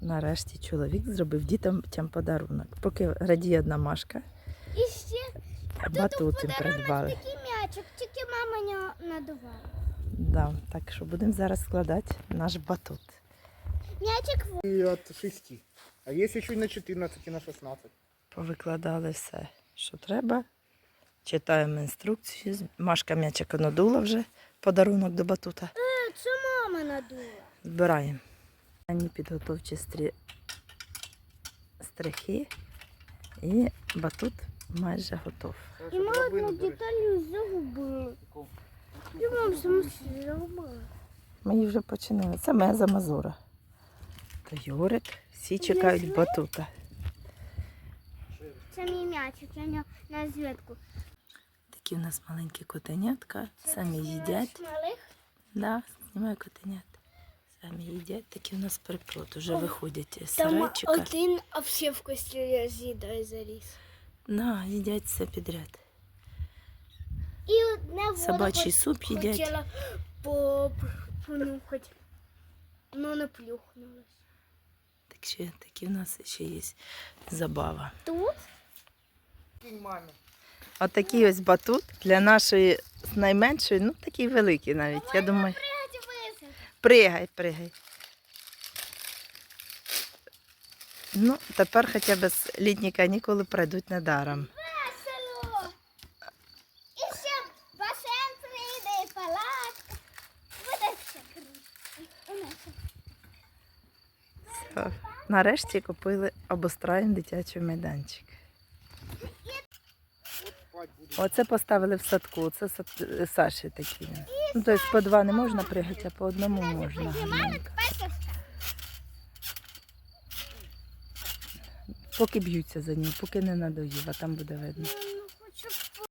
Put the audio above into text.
Нарешті чоловік зробив дітям подарунок. Поки радіє одна Машка, І ще батут їм придбали. такий м'ячик, тільки мама не надувала. Да, так що будемо зараз складати наш батут. М'ячик И от 6. А есть еще и на 14, и на 16. Повикладали все, що треба. Читаємо інструкцію. Машка м'ячик надула вже, подарунок до батута. це мама надула. Збираємо. Ані підготовчі стрихи і батут майже готов. І ми одну деталь загубили. І мама самостійно загубила. Ми її вже починили. Це меза Мазура. То Юрик. Всі чекають батута. Це мій м'ячик, я на звідку. Такі у нас маленькі котенятка. Самі їдять. Малих? Да, знімаю котенят. Самі їдять. Такі у нас приплод. Уже виходять з Там сарайчика. один взагалі в кості з'їдає заліз. Да, їдять все підряд. І одне воду Собачий суп їдять. хотіла понюхати, але не плюхнулась. Так ще такі у нас ще є забава. Тут? Маме. Отакий ось батут для нашої найменшої, ну такий великий навіть. Я думаю, пригай. Ну, тепер хоча б літні канікули пройдуть недаром. Весело! І ще басейн прийде, і палатка. Буде все круто. Все. Нарешті купили обустроєний дитячий майданчик. Оце поставили в садку, це Саші такі. Ну, тобто по два не можна пригати, а по одному можна. гарненько. Поки б'ються за ним, поки не надоїв, а там буде видно.